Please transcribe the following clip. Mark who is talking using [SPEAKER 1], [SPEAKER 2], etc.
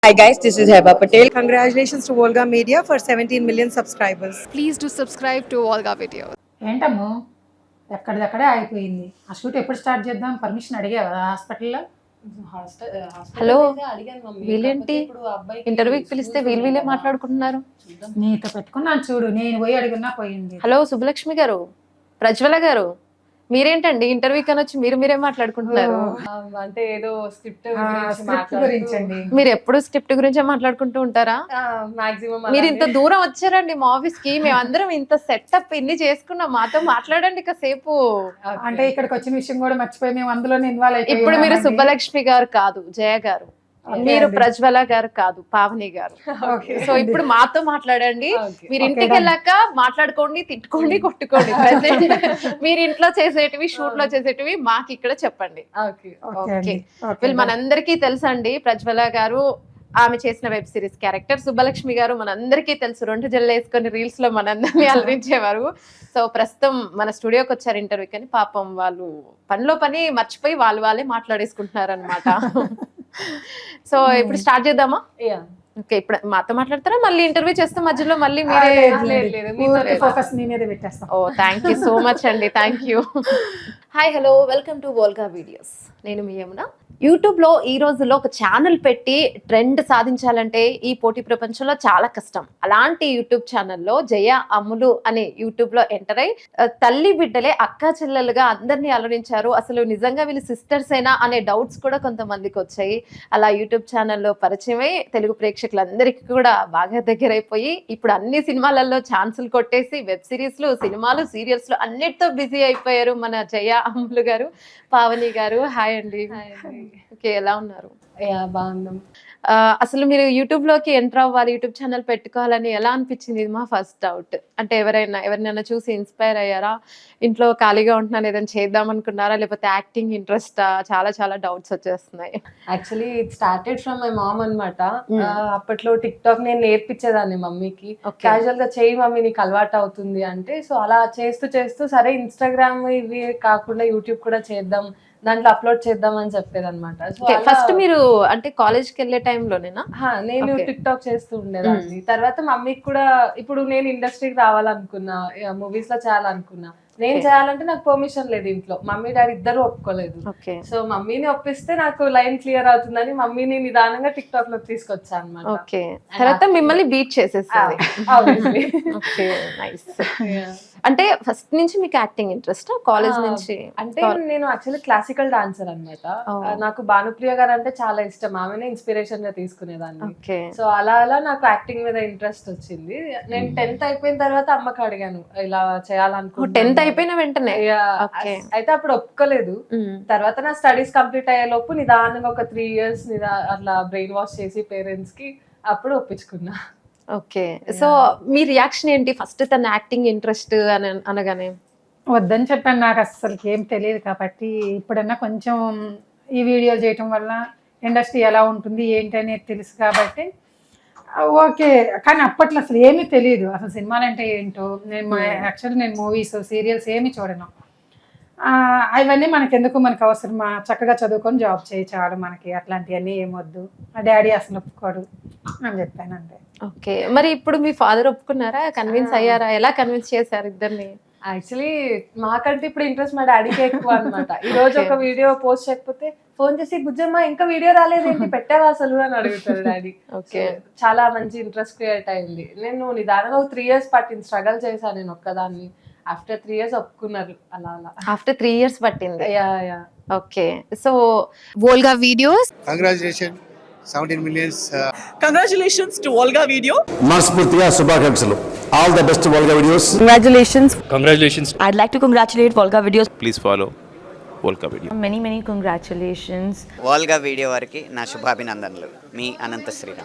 [SPEAKER 1] Hi guys, this is Heba Patel. Congratulations to Volga Media for 17 million subscribers.
[SPEAKER 2] Please do subscribe to Volga Videos.
[SPEAKER 3] ఏంటమ్మో ఎక్కడిదక్కడే ఆగిపోయింది. ఆ shoot ఎప్పుడు start చేద్దాం? Permission అడిగావా హాస్పిటల్లో?
[SPEAKER 4] Hello వీళ్ళేంటి ఇంటర్వ్యూకి పిలిస్తే వీళ్ళే మాట్లాడుకుంటున్నారు.
[SPEAKER 3] నీతో పెట్టుకున్నాను చూడు, నేను పోయి అడిగినా పోయింది.
[SPEAKER 4] హలో సుబ్బలక్ష్మి గారు, ప్రజ్వల గారు, మీరేంటండి ఇంటర్వ్యూ కని వచ్చి మీరే మాట్లాడుకుంటున్నారు?
[SPEAKER 5] అంటే ఏదో స్క్రిప్ట్
[SPEAKER 3] గురించి అండి.
[SPEAKER 4] మీరు ఎప్పుడు స్క్రిప్ట్ గురించే మాట్లాడుకుంటూ ఉంటారా?
[SPEAKER 5] మాక్సిమం
[SPEAKER 4] మీరు ఇంత దూరం వచ్చారండి మా ఆఫీస్ కి, మేమందరం ఇంత సెటప్ ఇన్ని చేసుకున్నాం, మాతో మాట్లాడండి కాసేపు.
[SPEAKER 3] అంటే ఇక్కడికి వచ్చిన విషయం కూడా మర్చిపోయి మేము అందులోనే ఇన్వాల్వ్ అయిపోయి.
[SPEAKER 4] ఇప్పుడు మీరు సుబ్బలక్ష్మి గారు కాదు జయ గారు, మీరు ప్రజ్వల గారు కాదు పావని గారు. సో ఇప్పుడు మాతో మాట్లాడండి. మీరు ఇంటికి వెళ్ళాక మాట్లాడుకోండి, తిట్టుకోండి, కొట్టుకోండి. ప్రెసెంట్ మీరు ఇంట్లో చేసేటివి, షూట్ లో చేసేటివి మాకు ఇక్కడ చెప్పండి. ఓకే, వీళ్ళు మనందరికీ తెలుసండి. ప్రజ్వల గారు ఆమె చేసిన వెబ్ సిరీస్ క్యారెక్టర్, సుబ్బలక్ష్మి గారు మనందరికీ తెలుసు, 2 జల్లు వేసుకొని రీల్స్ లో మనందరినీ అలరించేవారు. సో ప్రస్తుతం మన స్టూడియోకి వచ్చారు ఇంటర్వ్యూ కానీ పాపం వాళ్ళు పనిలో పని మర్చిపోయి వాళ్ళే మాట్లాడేసుకుంటున్నారు అనమాట. సో ఇప్పుడు స్టార్ట్ చేద్దామా? ఓకే, ఇప్పుడు మాతో మాట్లాడతారా? మళ్ళీ ఇంటర్వ్యూ చేస్తే మధ్యలో మళ్ళీ మీరే
[SPEAKER 3] ఫోకస్ నీ మీద పెట్టేస్తాం.
[SPEAKER 4] Oh thank you so much అండి, thank you. Hi hello, welcome to Volga videos. నేను మీ యమున. యూట్యూబ్లో ఈ రోజుల్లో ఒక ఛానల్ పెట్టి ట్రెండ్ సాధించాలంటే ఈ పోటీ ప్రపంచంలో చాలా కష్టం. అలాంటి యూట్యూబ్ ఛానల్లో జయ అమ్ములు అనే యూట్యూబ్లో ఎంటర్ అయి తల్లి బిడ్డలే అక్కా చెల్లెలుగా అందరినీ అలరించారు. అసలు నిజంగా వీళ్ళు సిస్టర్స్ అయినా అనే డౌట్స్ కూడా కొంతమందికి వచ్చాయి. అలా యూట్యూబ్ ఛానల్లో పరిచయమై తెలుగు ప్రేక్షకులందరికీ కూడా బాగా దగ్గరైపోయి ఇప్పుడు అన్ని సినిమాలలో ఛాన్సులు కొట్టేసి వెబ్ సిరీస్లు, సినిమాలు, సీరియల్స్లు అన్నిటితో బిజీ అయిపోయారు మన జయ అమ్ములు గారు. పావని గారు, హాయ్ అండి. ఓకే, ఎలా ఉన్నారు?
[SPEAKER 5] బాగున్నాం.
[SPEAKER 4] అసలు మీరు యూట్యూబ్ లోకి ఎంటర్ అవ్వాలి, యూట్యూబ్ ఛానల్ పెట్టుకోవాలని ఎలా అనిపించింది? ఇది మా ఫస్ట్ డౌట్. అంటే ఎవరినైనా చూసి ఇన్స్పైర్ అయ్యారా? ఇంట్లో ఖాళీగా ఉంటున్నాను ఏదైనా చేద్దాం అనుకున్నారా? లేకపోతే యాక్టింగ్ ఇంట్రెస్ట్? చాలా డౌట్స్ వచ్చేస్తున్నాయి.
[SPEAKER 5] Actually it started from my mom అన్నమాట. అప్పట్లో టిక్ టాక్ నేను నేర్పించేదాన్ని మమ్మీకి. క్యాజువల్ గా చేయి మమ్మీ, నీకు అలవాటు అవుతుంది అంటే. సో అలా చేస్తూ సరే ఇన్స్టాగ్రామ్ ఇవి కాకుండా యూట్యూబ్ కూడా చేద్దాం, దాంట్లో అప్లోడ్ చేద్దాం అని చెప్పేది అనమాట.
[SPEAKER 4] ఫస్ట్ మీరు అంటే కాలేజ్కి వెళ్ళే టైంలోనేనా?
[SPEAKER 5] నేను టిక్ టాక్ చేస్తూ ఉండేదాన్ని. తర్వాత మమ్మీకి కూడా ఇప్పుడు నేను ఇండస్ట్రీకి రావాలనుకున్నా, మూవీస్ లో చేయాలనుకున్నా. నేను చేయాలంటే నాకు పర్మిషన్ లేదు ఇంట్లో, మమ్మీ డాడీ ఇద్దరు ఒప్పుకోలేదు. సో మమ్మీని ఒప్పిస్తే నాకు లైన్ క్లియర్ అవుతుందని మమ్మీని నిదానంగా టిక్ టాక్ లోకి తీసుకొచ్చా అనమాట.
[SPEAKER 4] ఓకే, తర్వాత మిమ్మల్ని బీట్ చేసేసారు. అంటే ఫస్ట్ నుంచి మీకు యాక్టింగ్ ఇంట్రెస్ట్ కాలేజ్ నుంచి?
[SPEAKER 5] అంటే నేను యాక్చువల్లీ క్లాసికల్ డాన్సర్ అనమాట. నాకు భానుప్రియ గారు అంటే చాలా ఇష్టం, ఆమెనే ఇన్స్పిరేషన్ గా తీసుకునేదాన్ని. సో అలా నాకు యాక్టింగ్ మీద ఇంట్రెస్ట్ వచ్చింది. నేను 10th అయిపోయిన తర్వాత అమ్మకి అడిగాను ఇలా చేయాలనుకుంటున్నాను.
[SPEAKER 4] 10th అయిపోయిన వెంటనే?
[SPEAKER 5] అయితే అప్పుడు ఒప్పుకోలేదు. తర్వాత నా స్టడీస్ కంప్లీట్ అయ్యే లోపు నిదానంగా ఒక 3 years అట్లా బ్రెయిన్ వాష్ చేసి పేరెంట్స్ కి అప్పుడు ఒప్పించుకున్నా.
[SPEAKER 4] ఓకే, సో మీ రియాక్షన్ ఏంటి ఫస్ట్ తన యాక్టింగ్ ఇంట్రెస్ట్ అని అనగానే?
[SPEAKER 3] వద్దని చెప్పాను, నాకు అసలు ఏం తెలియదు కాబట్టి. ఇప్పుడన్నా కొంచెం ఈ వీడియోలు చేయటం వల్ల ఇండస్ట్రీ ఎలా ఉంటుంది ఏంటి అనేది తెలుసు కాబట్టి ఓకే. కానీ అప్పట్లో అసలు ఏమీ తెలియదు, అసలు సినిమాలు అంటే ఏంటో. యాక్చువల్లీ నేను మూవీస్, సీరియల్స్ ఏమీ చూడను. అవన్నీ మనకెందుకు, మనకు అవసరమా? చక్కగా చదువుకొని జాబ్ చేయి చాలు మనకి, అట్లాంటివన్నీ ఏమొద్దు. మా డాడీ అసలు ఒప్పుకోడు అని చెప్పాను అంతే.
[SPEAKER 4] ఓకే, మరి ఇప్పుడు మీ ఫాదర్ ఒప్పుకున్నారా? కన్విన్స్ అయ్యారా? ఎలా కన్విన్స్ చేశారు ఇద్దరిని?
[SPEAKER 5] యాక్చువల్లీ మాకంటే ఇప్పుడు ఇంట్రెస్ట్ మా డాడీకి ఎక్కువ అనమాట. ఈ రోజు ఒక వీడియో పోస్ట్ చేయకపోతే ఫోన్ చేసి బుజ్జమ్మ ఇంకా వీడియో రాలేదేంటి, పెట్టావా అసలు అని అడుగుతారు డాడీ.
[SPEAKER 4] ఓకే,
[SPEAKER 5] చాలా మంచి ఇంట్రెస్ట్ క్రియేట్ అయింది. నేను నిదానంగా 3 years పట్టింది, స్ట్రగల్ చేశాను నేను ఒక్కదాన్ని. ఆఫ్టర్ 3 years ఒప్పుకున్నారు. అలా
[SPEAKER 4] ఆఫ్టర్ 3 years పట్టింది? Okay, so
[SPEAKER 2] Volga Videos.
[SPEAKER 6] Congratulations, 17 millions.
[SPEAKER 7] Congratulations to Volga Video.
[SPEAKER 8] మనస్ఫూర్తిగా శుభాకాంక్షలు. All the best Volga Videos.
[SPEAKER 9] Congratulations.
[SPEAKER 10] I'd like to congratulate Volga Videos.
[SPEAKER 9] Please follow Volga Video.
[SPEAKER 10] Many congratulations.
[SPEAKER 11] Volga video వారికి నా శుభాభినందనలు. మీ అనంత శ్రీరామ్.